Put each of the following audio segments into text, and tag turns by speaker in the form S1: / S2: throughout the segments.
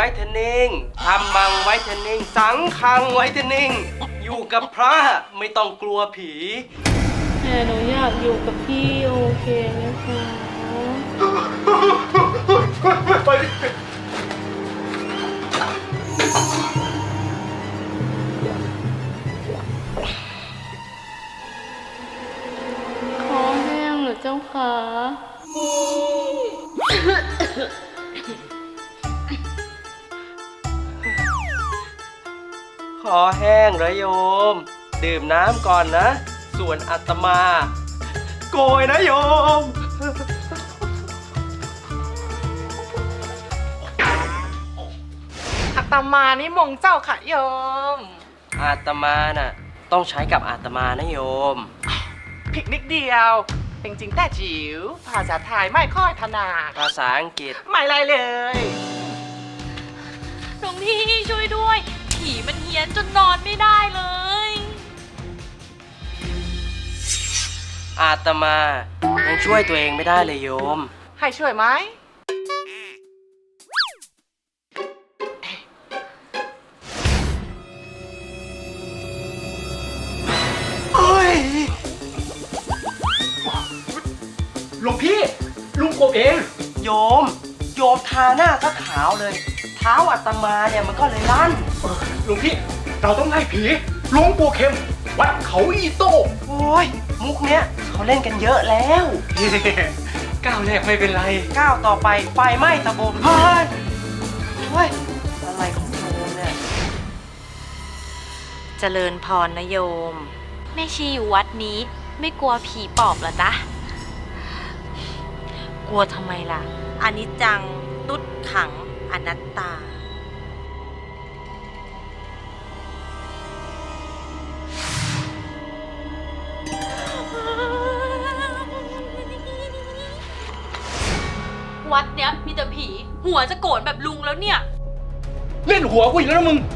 S1: เทนนิ่งทำมังไว้เทนนิ่งสังคังไว้เทนนิ่งอยู่กับพระไม่ต้องกลัวผี
S2: แต่หนูอยากอยู่กับพี่โอเคไหมคะคอแห้งเหรอเจ้าขา
S1: คอแห้งเหรอโยมดื่มน้ำก่อนนะส่วนอาตมาโกยนะโยม
S3: อาตมานี่มงเจ้าค่ะโยม
S1: อาตมาน่ะต้องใช้กับอาตมานะโยม
S3: ผิดนิดเดียวจริงๆแต่จิ๋วภาษาไทยไม่ค่อยถนัด
S1: ภาษาอังกฤษ
S3: ไม่ไรเลย
S4: หลวงพี่ช่วยด้วยผีมันเฮี้ยนจนนอนไม่ได้เลย
S1: อาตมายังช่วยตัวเองไม่ได้เลยโยม
S3: ให้ช่วยไหม
S5: หลวงพี่ลุงกบเอง
S1: โยมทาหน้าก็ขาวเลยเท้าอาตมาเนี่ยมันก็เลยลั่น
S5: หลวงพี่เราต้องไล่ผีหลวงปู่เข็มวัดเขาอีโต้
S1: โอ้ยมุกเนี้ยเขาเล่นกันเยอะแล้ว
S5: ก้าวแรกไม่เป็นไร
S1: ก้าวต่อไปไฟไหม้ตะบมเฮ้ยอะไรของโยมเนี่ย
S4: เจริญพรนะโยมแม่ชีอยู่วัดนี้ไม่กลัวผีปอบเหรอจ๊ะกลัวทำไมล่ะอนิจจังตุ๊ดขังอนัตตาวัดเนี้ยมีแต่ผีหัวจะโกรธแบบลุงแล้วเนี่ย
S5: เล่นหัวกูอีกแล้วนะมึง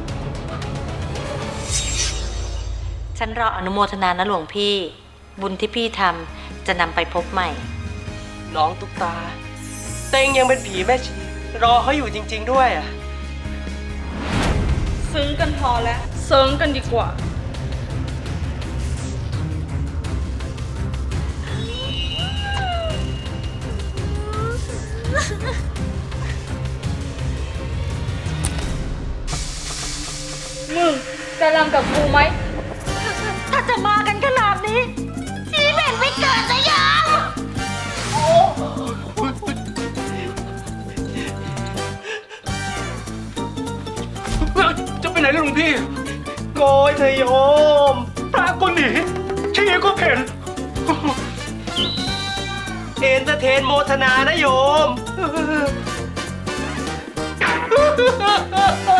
S4: ฉันรออนุโมทนานะหลวงพี่บุญที่พี่ทำจะนำไปพบใหม่
S1: น้องตุ๊กตาเต็งยังเป็นผีแม่ชีรอเขาอยู่จริงๆด้วยอ่ะ
S2: ซึ้งกันพอแล้วเซิงกันดีกว่ามึงจะรำกับกูไหม
S4: ถ้าจะมากันขนาดนี้ชีเบ็นไม่เกิดจะยัง
S5: จะไปไหนล่ะหลวงพี่
S1: โกยเธอโยม
S5: พระก็หนีชีก็เพ่น
S1: เอนเตอร์เทนโมทนานะโยม